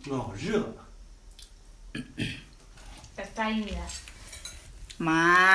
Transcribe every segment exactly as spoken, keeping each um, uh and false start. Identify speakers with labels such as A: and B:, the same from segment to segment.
A: 哦，热。
B: แต่ใจเนี่ย
C: มา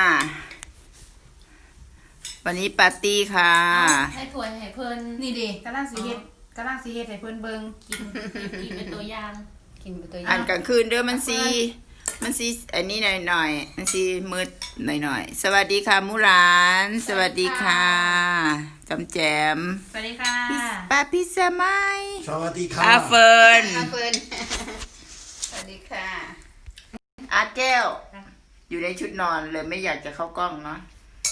C: วันนี้ปาร์ตี้ค่ะ
B: ให้ถ้วยให้เพิ่น
D: นี่ดิกำลังสีเฮ็ดกำลังสีเฮ็ดให้เพิ่นเบิ่ง
B: กินกินเป็นตัวอย่าง
D: กินเป็นตัวอ
C: อ่า
D: ย่าน ง
C: กลางคืนเด้อมันสีมันสีอันนี้หน่อยหน่อยๆมันสีมืดหน่อยหน่อยๆสวัสดีค่ะมูหลาน สวัสดีค่ะจำแจม
D: สวัสดีค่ะ
C: ป้าพิซซ่าไม้
A: สวัสดีครั
C: อา
A: บ
C: เฟิร์น
D: อาเฟิร์นสวัสดีค่ะ
C: อาแก้ว อยู่ในชุดนอนเลยไม่อยากจะเข้ากล้องเนาะ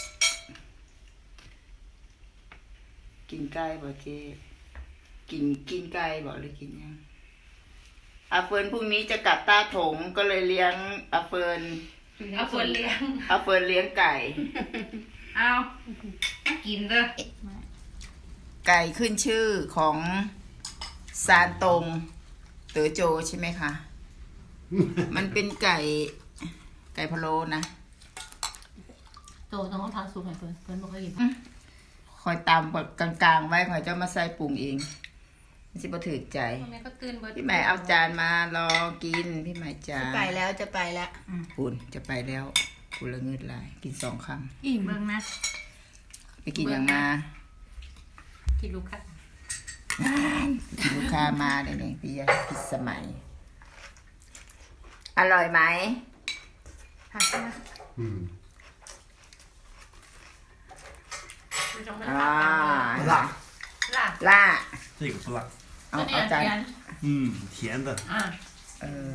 C: กินไก่บ่เจ๊กินกินไก่บ่หรือกินยังอาเฟิร์นพรุ่งนี้จะกลับต้าถงก็เลยเลี้ยงอาเฟิร์น
B: เอาเพิ่นเลี้ยง
C: อาเฟิร์นเลี้ยงไก่
D: เอากินเด้อ
C: ไก่ขึ้นชื่อของซานตงเต๋อโจใช่ไหมคะ มันเป็นไก่ ไก่พะโล้นะ
B: โตต้องทำซุปให้เพิ่นเพิ่นบ่เคยกิน
C: คอยตามแบบกลางๆไว้คอยจะมาใส่ปรุงเองมันสิบ่ถือใจ
B: แม่ก็ตื่นเบิด
C: พี่ใหม่เอาจานมารอกินพี่ใหม่จา
D: จะ
C: น
D: ไปแล้วจะไปแล้ว
C: ปุ่นจะไปแล้วกูละเงิดลายกินสองค
B: อิ่ม
D: เบิ่งนะ
C: ำไปกินอย่างมา
B: กินลูกค้า
C: ลูกค้ามาเลยเนี่ยพี่ยาพิสมัย อร่อยไหม
D: ผักนะ
A: 嗯，
B: ดูจังมัน
C: อ่า
B: ล่ะ
C: ล่า
A: 这个不辣。
C: เอา
B: ตัวนี้
C: เอาจาน
B: เทียน
A: 嗯，甜的。
B: อ่ะ
C: เออ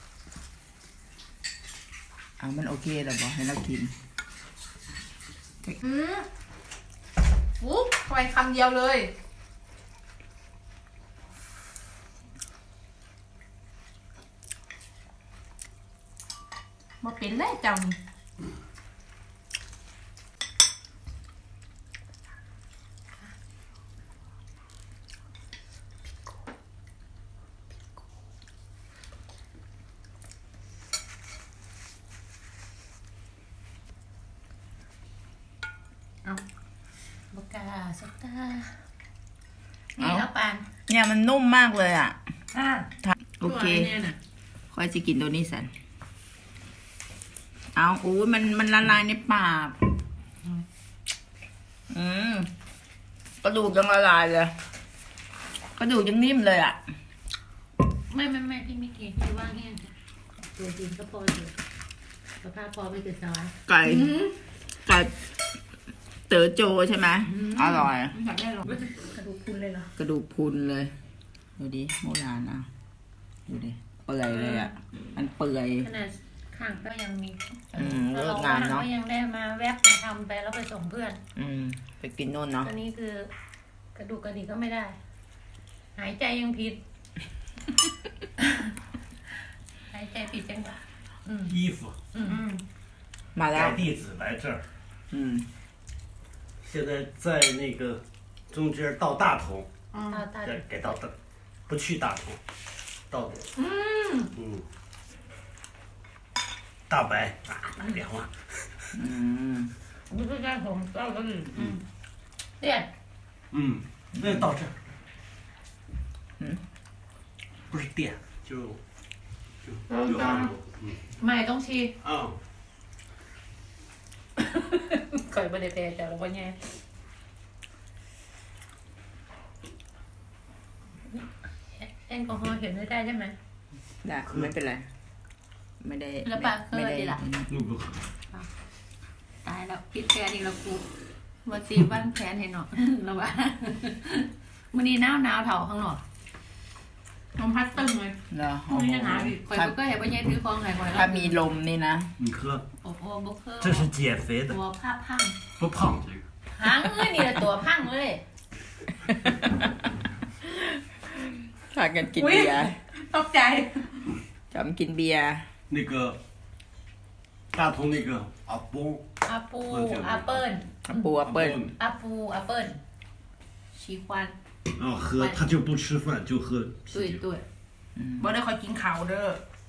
C: เอามันโอเคแล้วบอกให้เรากิน
D: อืมปุ๊บเข้าไปคำเดียวเลยบ่เป็นเลยเจ้านี่
B: บกาสตานี่แล้วปาน
C: เนี่ยมันนุ่มมากเลยอ่ะ
B: อ่ะ
C: โอเค
B: ตัวนี้น่ะ
C: ค่อยจะกินตัวนี้สัน เอาอู้ยมันมันละลายในปาก อืมกระดูกยังละลายเลย กระดูกยังนิ่มเลยอ่ะ
B: ไม่ไม่ไม่พี่ไม่กินพี่ว่างแห้งตัวจริงก็พออยู่สภาพพอไปติดสวาย
C: ไก่ไก่เต๋อโจใช่ไหมอร่อย
D: อยากได้หรอก
B: กระดูกคุณเลยเหรอก
C: ระดูกพรุนเลย ดูดิโบราณอ่ะ ดูดิ เปื่อยเลยอ่ะ มันเปื่อย
B: ขนาดข้างก็ยังมี
C: อืมเลิกงานเนอะ
B: ก็ยังได้มาแวบมาทำไปแล้วไปส่งเพื่อน
C: อืม ไปกินโน่นเนาะ
B: อันนี้คือกระดูกกระดิกก็ไม่ได้ หายใจยังผิด หายใจผิดจังหวะอืม
A: 衣服，
B: อืมอืม
C: มาแล้ว
A: 改地址来这儿。
C: อืม
A: 现在在那个中间到大同，
B: ตาตา
A: 再改到大，不去大同，到
B: อืม
A: 嗯，大白啊，那凉了。
C: อืม
B: ไม่ใช่ได้ผมเจ้าก็ดีอืมเนี่ย
A: 嗯，那到这儿。
C: 嗯，
A: 不是店，就就
B: 嗯
A: 就按钮。嗯
B: ไม่ต้องชี
A: 啊，
B: เคยไม่ได้แพ้แต่เราก็แย่แอลกอฮอล์เห็นไม่ได้ใช่ไหม
C: ได้ไม่เป็นไร ไม่ได้
B: แล้วปะเคย
C: ไม่ได้
B: ดีล่ะ
A: 那不喝。
B: ตายแล้วพิษแพ้อีกแล้วกูมาตีบ้านแพ้ให้หน่อย แล้วว่าวันนี้หนาวหนาวเถาข้างนอกลมพัดตึ้งเลย
C: เหรอ
B: ไม่ได้หนาวอีกคอยก็เห็นว่าแย่ถือคองไหนคอย
C: ถ้ามีลมนี่นะ
A: 你喝，
B: โอ้โหบุกเคอร์
A: 这是减肥的
B: ตั，วผ้าพัง
A: 不胖这个。
B: หางเอ้ยนี่แหละตัวพังเลย
C: พากันกินเบียร์
D: ตกใจ
C: จำกินเบียร์
A: 那个大同那个阿崩，
B: อาปูอาเปิ้ล
C: อัปปูอัปเปิ้ล
B: อาปูอาเปิ้ลชีควัน
A: 啊喝他就不吃饭就喝
B: ตุ้ย
A: 啤酒。
B: ตุ้ย
D: บ่ได้คอยกินข้าวเด้อ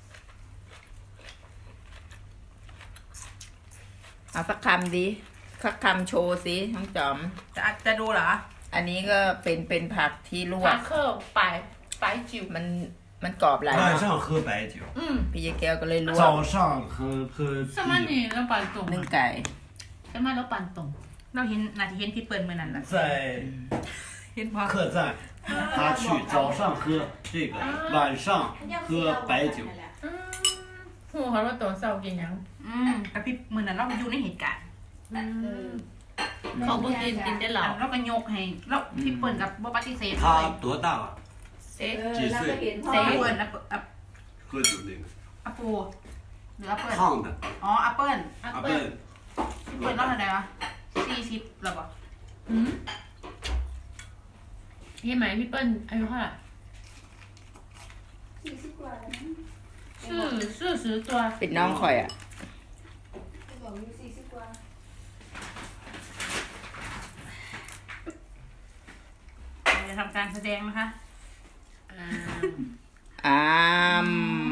C: เอาสักคำดิสักคำโชว์สิน้องจอม
D: จะจะดูเหรอ
C: อันนี้ก็เป็นเป็นผักที่ลว
B: พาก เคอร์ปลายปลายจิ๋ว
C: มันมันกรอบหลาย
A: 晚
C: เนาะ
A: 上喝白酒，
D: อืม
C: พี่ยายแก้วก็เลยลวก
A: 早上喝喝
B: สมัย
A: 啤
B: นี้เราปั่นตรง
C: นึ่งไก่
B: สมัยเราปั่นตรง
D: เราเห็นนาทีเห็นพี่เปิ้ลเมื่อนั้นแหละ
A: 酒，在
D: เห็นพอ
A: 客栈，他去早上喝这个，晚上喝白酒。
B: อืมหูเขาว่าตัวเศร้ากินหยัง
D: อืมแต่พี่เมื่อนั้นเราอยู่ในเหตุการณ์
B: อืมเขาบ่กินกินได้เหรอ
D: เราก็ยกให้เราพี่เปิ้ลกับบ่ปฏิเสธเลย
A: 他多大啊？
B: เซ็ก
A: 几岁？
D: เซเปิ้ลอัปอัป
A: 喝酒那个
D: อัปปูหรืออัปเปิ้ล
A: 胖的
D: อ๋ออัปเปิ้ล
B: อัป
A: 阿
B: เปิ้ล
A: 笨，
D: พี่เปิ้ลเราเท่าไหร่วะสี่สิบหรอปะ
B: อืมพี่ไหมพี่เปิ้ลอายุเท่าไหร่สี่สิบกว่าสี่สี่สิบตัว
C: เป็นน้องข่อยอ่ะ
D: จะทำการแสดงนะคะ
B: อ่า
C: อ้าม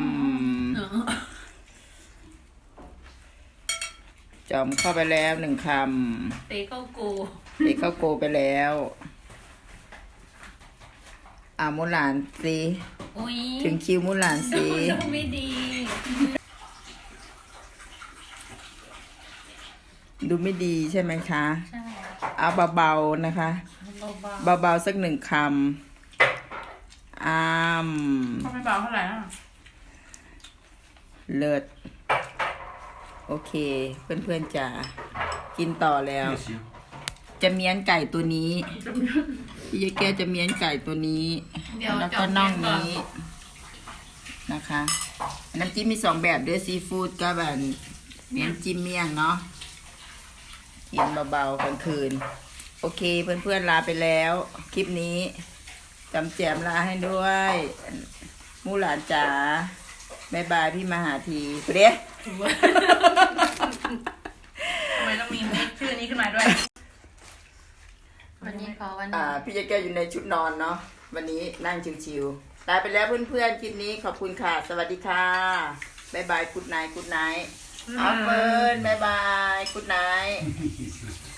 C: จอมเข้าไปแล้วหนึ่งค
B: เตะเข้าโก
C: ำเด็กเข้าโกไปแล้วอ่ามุหลานสิ
B: อุ้ย
C: ถึงคิวมุหลานสิ
B: ดูไม่ดี
C: ดูไม่ดีใช่ไหมคะ
B: ใช่
C: เอาเบาๆนะคะ
B: เบา
C: เบาๆสักหนึ่งคำอ้าม
D: เขาไม่เบาเท่าไหร่นะ
C: เลิศโอเค เพื่อนๆจะกินต่อแล้ว
A: 不行，
C: จะเมียนไก่ตัวนี้พี่ยายแก้วจะเมียนไก่ตัวนี้
B: ๆเดี๋ยว
C: แล้ว
B: จ
C: ก็
B: บ
C: น่อง
B: เก่อน
C: นี้นะคะ น้ำจิ้มมีสองแบบด้วยซีฟู้ดกับแบบน้ำจิ้มเมี่ยงเนาะกินเบาๆกลางคืน โอเคเพื่อนๆลาไปแล้ว คลิปนี้จำแจมลาให้ด้วยมู่หลานจ๋าบายบายพี่มหาทีเปรี้ย
D: ทำไมต้องมีชื่อนี้ขึ้นมาด้วย
B: วันนี้ขอวัน
C: อ่า
B: นี้
C: พี่ยายแก้วอยู่ในชุดนอนเนาะวันนี้นั่งชิวๆลาไปแล้วเพื่อนๆคลิปนี้ขอบคุณค่ะ สวัสดีค่ะบายบายกุดไนท์กุดไนท์เอาเฟิร์นบายบายกุดไนท์